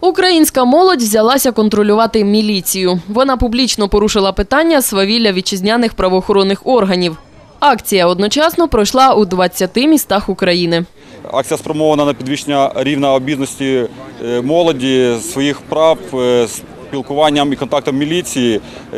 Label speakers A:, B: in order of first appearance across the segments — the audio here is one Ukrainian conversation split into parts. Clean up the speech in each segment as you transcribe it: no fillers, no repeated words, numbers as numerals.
A: Українська молодь взялася контролювати міліцію. Вона публічно порушила питання свавілля вітчизняних правоохоронних органів. Акція одночасно пройшла у 20 містах України.
B: Акція спрямована на підвищення рівня обізнаності молоді, своїх прав, спілкуванням і контактом міліції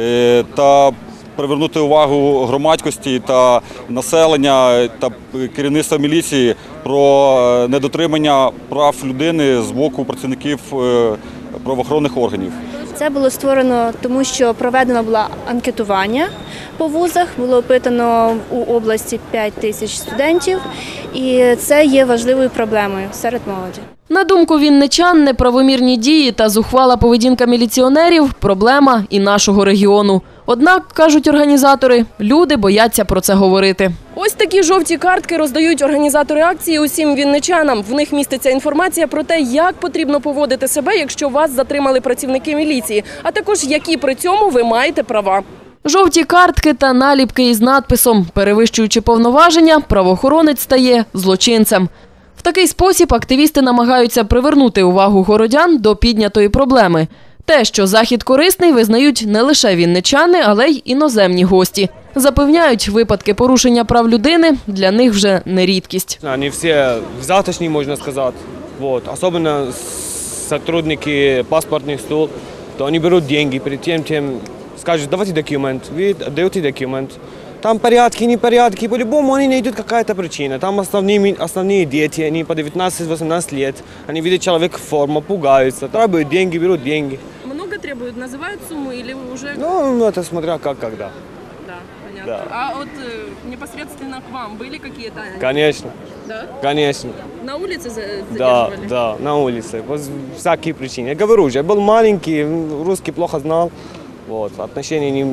B: та привернути увагу громадськості та населення та керівництва міліції про недотримання прав людини з боку працівників правоохоронних органів.
C: Це було створено тому, що проведено було анкетування по вузах, було опитано у області 5 тисяч студентів, і це є важливою проблемою серед молоді.
A: На думку вінничан, неправомірні дії та зухвала поведінка міліціонерів – проблема і нашого регіону. Однак, кажуть організатори, люди бояться про це говорити.
D: Ось такі жовті картки роздають організатори акції усім вінничанам. В них міститься інформація про те, як потрібно поводити себе, якщо вас затримали працівники міліції, а також які при цьому ви маєте права.
A: Жовті картки та наліпки із надписом «Перевищуючи повноваження, правоохоронець стає злочинцем». В такий спосіб активісти намагаються привернути увагу городян до піднятої проблеми. Те, що захід корисний, визнають не лише вінничани, але й іноземні гості. Запевняють, випадки порушення прав людини для них вже не рідкість.
E: Вони всі взяточні, можна сказати. Особливо сотрудники паспортних служб, то вони беруть гроші, перед тим скажуть, давайте документ, ви даєте документ. Там порядки, непорядки, по-любому они найдут какая-то причина. Там основные дети, они по 19-18 лет, они видят человека в форме, пугаются, требуют деньги, берут деньги.
D: Много требуют, называют сумму или уже…
E: Ну, это смотря как, когда.
D: Да, понятно.
E: Да.
D: А вот непосредственно к вам были какие-то…
E: Конечно.
D: Да?
E: Конечно.
D: На улице задерживали?
E: Да, на улице, по всякие причины. Я говорю уже, я был маленький, русский плохо знал, отношения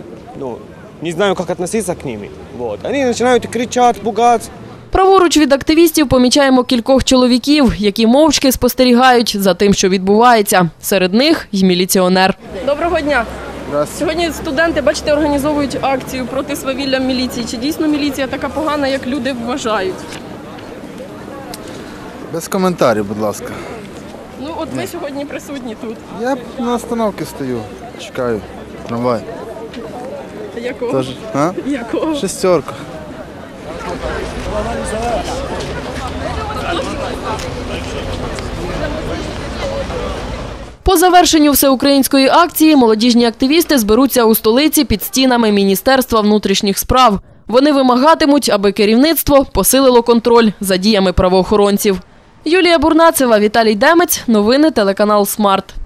E: не знаю, як відноситися к ними. Вони починають кричати, пугати.
A: Праворуч від активістів помічаємо кількох чоловіків, які мовчки спостерігають за тим, що відбувається. Серед них й міліціонер.
D: Доброго дня. Сьогодні студенти, бачите, організовують акцію проти свавілля міліції. Чи дійсно міліція така погана, як люди вважають?
F: Без коментарів, будь ласка.
D: Ну, от ви сьогодні присутні тут.
F: Я на остановці стою, чекаю трамвай.
D: Якого? Якого?
F: Шестерка.
A: По завершенню всеукраїнської акції молодіжні активісти зберуться у столиці під стінами Міністерства внутрішніх справ. Вони вимагатимуть, аби керівництво посилило контроль за діями правоохоронців. Юлія Бурнацева, Віталій Демець. Новини телеканал «Смарт».